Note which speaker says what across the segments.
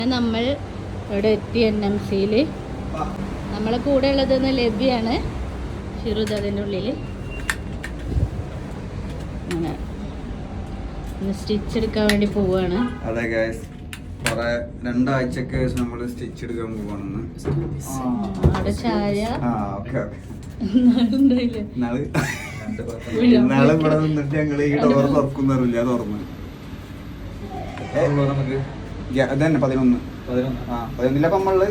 Speaker 1: നമ്മൾ ഇവിടെ എത്തി NMC-യിൽ. നമ്മളെ കൂടെ ഉള്ളത് ലഭ്യാണ്. ഷിറുദ് അതിൻ്റെ ഉള്ളിൽ അങ്ങനെ സ്റ്റിച്ച് എടുക്കാൻ വേണ്ടി പോവാണ്.
Speaker 2: അതെ ഗൈസ്, കുറെ 2 ആഴ്ചക്ക് ശേഷം നമ്മൾ സ്റ്റിച്ച് എടുക്കാൻ പോവാണെന്ന്.
Speaker 1: അവിടെ ചായ
Speaker 2: ഇന്നാളെ ഇവിടെ നിന്നിട്ട് ഞങ്ങള് ഈ ഡോർ തുറക്കുന്നറില്ല, തുറന്ന് അതന്നെ 11 നമ്മള്.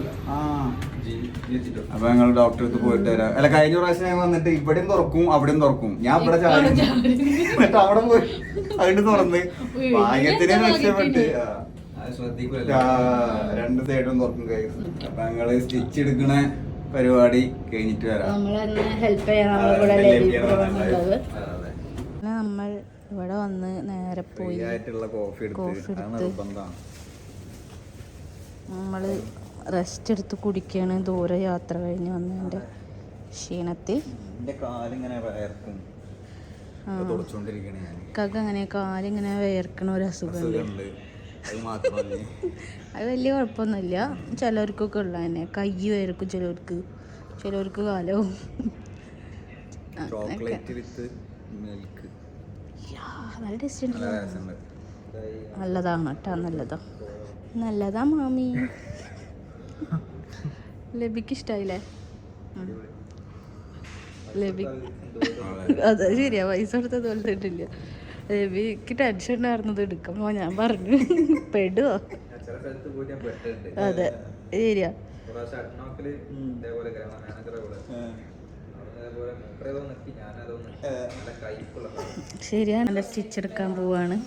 Speaker 2: അപ്പൊ ഞങ്ങൾ ഡോക്ടറെ അടുത്ത് പോയിട്ട് വരാം. അല്ല, കഴിഞ്ഞ പ്രാവശ്യം ഞങ്ങൾ വന്നിട്ട് ഇവിടെയും തുറക്കും അവിടെയും തുറക്കും. ഞാൻ ഇവിടെ ചാടി എന്നിട്ട് അവിടെ പോയി അതിന് തുറന്ന് ഭാഗ്യത്തിന് രക്ഷപ്പെട്ട്. 2 സൈഡും തുറക്കും കഴിയും. അപ്പൊ ഞങ്ങള് സ്റ്റിച്ച് എടുക്കണ പരിപാടി കഴിഞ്ഞിട്ട് വരാം.
Speaker 1: നമ്മൾ ഇവിടെ വന്ന് നേരെ പോയി
Speaker 2: കോഫി എടുത്ത്
Speaker 1: നമ്മള് റെസ്റ്റ് എടുത്ത് കുടിക്കാണ്. ദൂരെ യാത്ര കഴിഞ്ഞ് വന്നതിന്റെ ക്ഷീണത്തിൽ അങ്ങനെ കാലിങ്ങനെ വേർക്കണ ഒരു അസുഖമുണ്ട്. അത് വലിയ കുഴപ്പമൊന്നുമില്ല, ചിലർക്കൊക്കെ ഉള്ള തന്നെ. കൈ വേർക്കും ചിലർക്ക് കാലവും. നല്ല ടേസ്റ്റ് ഉണ്ട്. നല്ലതാണ് കേട്ടോ, നല്ലതാ മാമി. ലബിക്ക് ഇഷ്ടായില്ലേ? ലബി അതെ ശരിയാ, പൈസ കൊടുത്തത് പോലത്തിട്ടില്ല. ലബിക്ക് ടെൻഷൻ ഉണ്ടായിരുന്നത് എടുക്കുമ്പോ ഞാൻ പറഞ്ഞു പെടുവോ. അതെ ശരിയാ. ശരിയാണ്. നല്ല സ്റ്റിച്ച് എടുക്കാൻ പോവാണ്.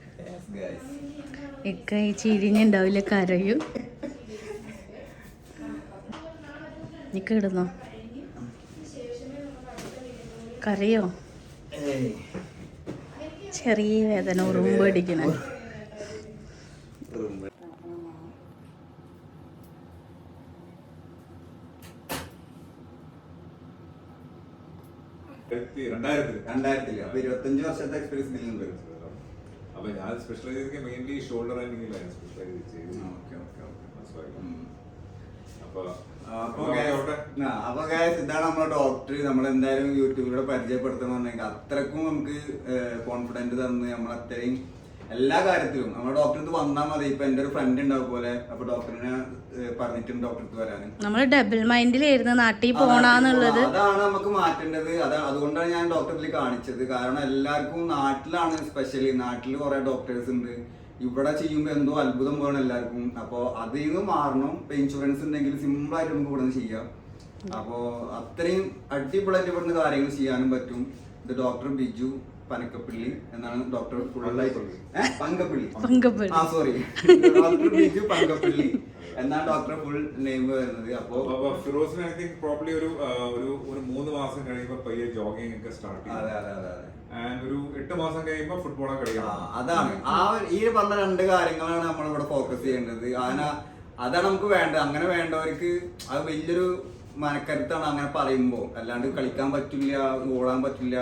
Speaker 1: ഇക്ക ഈ ചിരിഞ്ഞുണ്ടാവില്ല, കരയും. നിക്ക് ഇടുന്നോ? കരയോ? ചെറിയ വേദന, ഉറുമ്പ് അടിക്കണ.
Speaker 2: അപ്പൊ 25 വർഷത്തെ എക്സ്പീരിയൻസ് ഉണ്ട്.
Speaker 3: അപ്പൊ ഞാൻ സ്പെഷ്യലൈസ് ചെയ്ത് മെയിൻലി ഷോൾഡർ ആൻഡ് നീലാണ് സ്പെഷ്യലൈസ് ചെയ്തത്.
Speaker 2: അപ്പൊ ഇതാണ് നമ്മളെ ഡോക്ടർ. നമ്മളെന്തായാലും യൂട്യൂബിലൂടെ പരിചയപ്പെടുത്തണമെന്നുണ്ടെങ്കിൽ അത്രക്കും നമുക്ക് കോൺഫിഡന്റ് തന്ന് നമ്മളത്രയും എല്ലാ കാര്യത്തിലും നമ്മുടെ ഡോക്ടർ അടുത്ത് വന്നാൽ മതി. ഇപ്പൊ എന്റെ ഒരു ഫ്രണ്ട് ഉണ്ടാവും പോലെ, അപ്പൊ ഡോക്ടറിനെ പറഞ്ഞിട്ടുണ്ട് ഡോക്ടർ അടുത്ത് വരാനും.
Speaker 1: നമ്മള് ഡബിൾ മൈൻഡിലായിരുന്നു നാട്ടിൽ പോണെന്നുള്ളത്.
Speaker 2: അതാണ് നമുക്ക് മാറ്റേണ്ടത്. അതുകൊണ്ടാണ് ഞാൻ ഡോക്ടറിൽ കാണിച്ചത്. കാരണം എല്ലാവർക്കും നാട്ടിലാണ് സ്പെഷ്യലി, നാട്ടിൽ കുറെ ഡോക്ടേഴ്സ് ഉണ്ട്. ഇവിടെ ചെയ്യുമ്പോൾ എന്തോ അത്ഭുതം വേണം എല്ലാവർക്കും. അപ്പൊ അതിൽ നിന്ന് മാറണം. ഇപ്പൊ ഇൻഷുറൻസ് ഉണ്ടെങ്കിൽ സിമ്പിൾ ആയിട്ട് നമുക്ക് ഇവിടെ നിന്ന് ചെയ്യാം. അപ്പോ അത്രയും അടിപൊളിയായിട്ട് ഇവിടുന്ന് കാര്യങ്ങൾ ചെയ്യാനും പറ്റും. ഇത് ഡോക്ടർ ബിജു പനക്കപ്പള്ളി എന്നാണ് doctor Pankappally. Sorry, doctor Biju Pankappally എന്നാണ് ഡോക്ടർ ഫുൾ നെയിം വരുന്നത്. അപ്പോ
Speaker 3: ഫിറോസിന് ഐ തിങ്ക് പ്രോബ്ലി ഒരു 3 മാസം കഴിയുമ്പോൾ പയ്യെ ജോഗിങ് ഒക്കെ സ്റ്റാർട്ട് ചെയ്യും. ഒരു 8 മാസം കഴിയുമ്പോൾ ഫുട്ബോൾ കളിക്കാം.
Speaker 2: അതാണ് ഈ പറഞ്ഞ 2 കാര്യങ്ങളാണ് നമ്മളിവിടെ ഫോക്കസ് ചെയ്യേണ്ടത്. അതാണ് നമുക്ക് വേണ്ടത്. അങ്ങനെ വേണ്ടവർക്ക് അത് വലിയൊരു മനക്കരുത്താണ് അങ്ങനെ പറയുമ്പോ. അല്ലാണ്ട് കളിക്കാൻ പറ്റില്ല, ഓടാൻ പറ്റില്ല.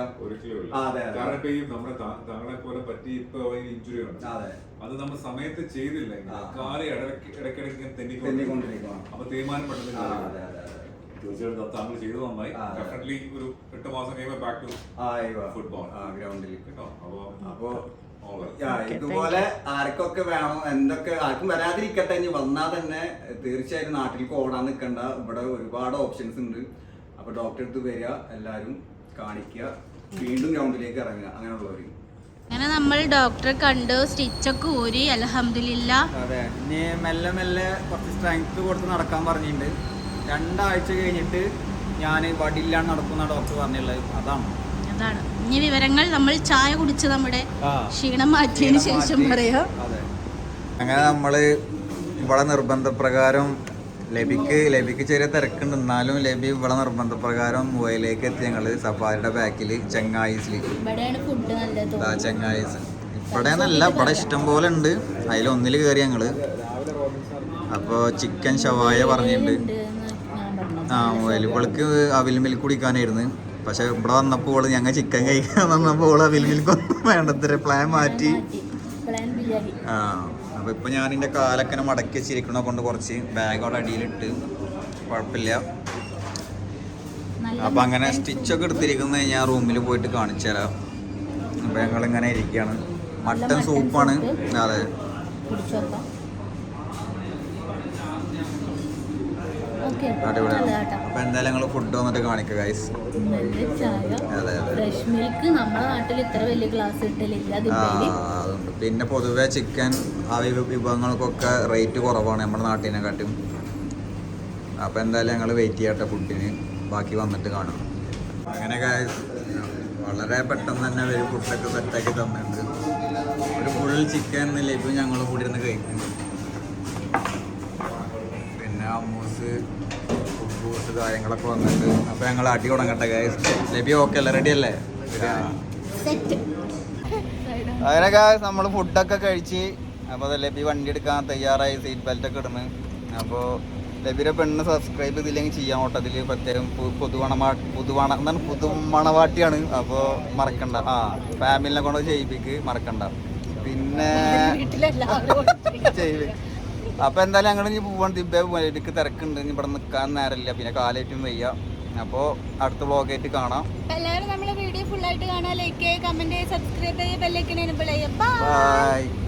Speaker 3: താങ്കളെ പോലെ പറ്റി ഇപ്പൊ ഇഞ്ചുറി ഉണ്ട്. അത് നമ്മൾ സമയത്ത് ചെയ്തില്ലെങ്കിൽ കാല് ഇടയ്ക്കിടയ്ക്ക് തെന്നിക്കൊണ്ടിരിക്കണം. അപ്പൊ തീരുമാനം പെട്ടെന്ന് തീർച്ചയായിട്ടും താങ്കൾ ചെയ്തു നന്നായി. ഡെഫിനറ്റ്ലി ഒരു 8 മാസം കഴിയുമ്പോൾ ബാക്ക് ടു ഫുട്ബോൾ
Speaker 2: ഗ്രൗണ്ടിൽ
Speaker 3: കേട്ടോ.
Speaker 2: അപ്പൊ ഇതുപോലെ ആർക്കൊക്കെ വേണം, എന്തൊക്കെ ആർക്കും വരാതിരിക്കട്ടെ. ഇനി വന്നാൽ തന്നെ തീർച്ചയായിട്ടും നാട്ടിലേക്ക് ഓടാൻ നിൽക്കണ്ട. ഇവിടെ ഒരുപാട് ഓപ്ഷൻസ് ഉണ്ട്. അപ്പൊ ഡോക്ടറെ അടുത്ത് വരിക, എല്ലാരും കാണിക്കുക, വീണ്ടും ഗ്രൗണ്ടിലേക്ക് ഇറങ്ങുക. അങ്ങനെയുള്ളവര്
Speaker 1: അങ്ങനെ നമ്മൾ ഡോക്ടറെ കണ്ടു, സ്റ്റിച്ചൊക്കെ ഊരി. അൽഹംദുലില്ലാ.
Speaker 2: അതെ, ഇനി മെല്ലെ മെല്ലെ കുറച്ച് സ്ട്രെങ്ത് കൊടുത്ത് നടക്കാൻ പറഞ്ഞിട്ടുണ്ട്. 2 ആഴ്ച കഴിഞ്ഞിട്ട് ഞാൻ വടിയില്ലാണ്ട് നടക്കുന്ന ഡോക്ടർ പറഞ്ഞുള്ളത് അതാണ്.
Speaker 1: ഇനി വിവരങ്ങൾ നമ്മൾ ചായ കുടിച്ച് നമ്മുടെ ക്ഷീണം മാറ്റിയതിന് ശേഷം പറയാം.
Speaker 2: അങ്ങനെ നമ്മള് ഇവിടെ നിർബന്ധപ്രകാരം ലബിക്ക് ചെറിയ തിരക്കുണ്ട്, എന്നാലും ലബി ഇവിടെ നിർബന്ധപ്രകാരം മുവയിലേക്ക് എത്തി. ഞങ്ങള് സഫാരിയുടെ ബാക്കില് ചെങ്ങായിസില് ചെങ്ങായിസ് ഇവിടെ നല്ല ഇവിടെ ഇഷ്ടം പോലെ ഉണ്ട്. അതിലൊന്നിൽ കയറി ഞങ്ങള്. അപ്പോൾ ചിക്കൻ ഷവായ പറഞ്ഞിട്ടുണ്ട്. മുവയിൽ ഇവൾക്ക് അവിൽ മിൽക്ക് കുടിക്കാനായിരുന്നു. പക്ഷെ ഇവിടെ വന്നപ്പോൾ ഞങ്ങൾ ചിക്കൻ കഴിക്കാൻ വന്നപ്പോൾ അവിൽ മിൽക്ക് വേണ്ടത്ര പ്ലാൻ മാറ്റി. അപ്പോൾ ഇപ്പോൾ ഞാൻ എൻ്റെ കാലൊക്കെ മടക്കി വെച്ചിരിക്കണ കൊണ്ട് കുറച്ച് ബാഗ് അവിടെ അടിയിലിട്ട് കുഴപ്പമില്ല. അപ്പം അങ്ങനെ സ്റ്റിച്ചൊക്കെ എടുത്തിരിക്കുന്നത് ഞാൻ റൂമിൽ പോയിട്ട് കാണിച്ചു തരാം. അപ്പം ഞങ്ങളിങ്ങനെ ഇരിക്കുകയാണ്. മട്ടൻ സൂപ്പാണ്. അതെ, അടിപൊളിയാണ്. അപ്പം എന്തായാലും ഞങ്ങൾ ഫുഡ് വന്നിട്ട് കാണിക്കുക ഗൈസ്. അതുണ്ട്. പിന്നെ പൊതുവെ ചിക്കൻ ആ വിഭവങ്ങൾക്കൊക്കെ റേറ്റ് കുറവാണ് നമ്മുടെ നാട്ടിനെക്കാട്ടും. അപ്പം എന്തായാലും ഞങ്ങൾ വെയിറ്റ് ചെയ്യട്ടെ ഫുഡിന്, ബാക്കി വന്നിട്ട് കാണാം. അങ്ങനെ ഗൈസ് വളരെ പെട്ടെന്ന് തന്നെ അവർ ഫുഡൊക്കെ സെറ്റാക്കി തന്നിട്ടുണ്ട്. ഒരു ഫുൾ ചിക്കൻ ലഭ്യം ഞങ്ങൾ കൂടി ഇരുന്ന് കഴിക്കും. പിന്നെ അമ്മൂസ് ഫുഡ് കാര്യങ്ങളൊക്കെ വന്നിട്ട് അപ്പോൾ ഞങ്ങൾ അടി തുടങ്ങട്ടെ ഗൈസ്. ലഭ്യം ഓക്കെ അല്ലേ, റെഡി അല്ലേ? അങ്ങനെ ഗൈസ് നമ്മൾ ഫുഡൊക്കെ കഴിച്ച് അപ്പോൾ ലഭ്യ വണ്ടി എടുക്കാൻ തയ്യാറായി, സീറ്റ് ബെൽറ്റൊക്കെ ഇടുന്നു. അപ്പോൾ ലഭ്യയുടെ പെണ്ണ് സബ്സ്ക്രൈബ് ചെയ്തില്ലെങ്കിൽ ചെയ്യാൻ ഓട്ടത്തിൽ പ്രത്യേകം പുതുമണവാട്ടിയാണ്. അപ്പോൾ മറക്കണ്ട, ഫാമിലിനെ കൊണ്ട് ചെയ്യിപ്പിക്ക് മറക്കണ്ട. പിന്നെ ചെയ്യിപ്പിക്ക്. അപ്പോൾ എന്തായാലും ഞങ്ങൾ ഇനി പോവാൻ എനിക്ക് തിരക്കുണ്ട്, ഇനി ഇവിടെ നിൽക്കാൻ നേരമില്ല, പിന്നെ കാലേറ്റും വയ്യ. അപ്പോൾ അടുത്ത വ്ളോഗായിട്ട് കാണാം.
Speaker 1: എല്ലാവരും നമ്മളെ വീഡിയോ ഫുള്ളായിട്ട് കാണാൻ, ലൈക്ക് ചെയ്യുക, കമന്റ് ചെയ്യുക, സബ്സ്ക്രൈബ് ചെയ്യുക, ബെൽ ഐക്കൺ എനേബിൾ ചെയ്യുക.
Speaker 2: ബൈ.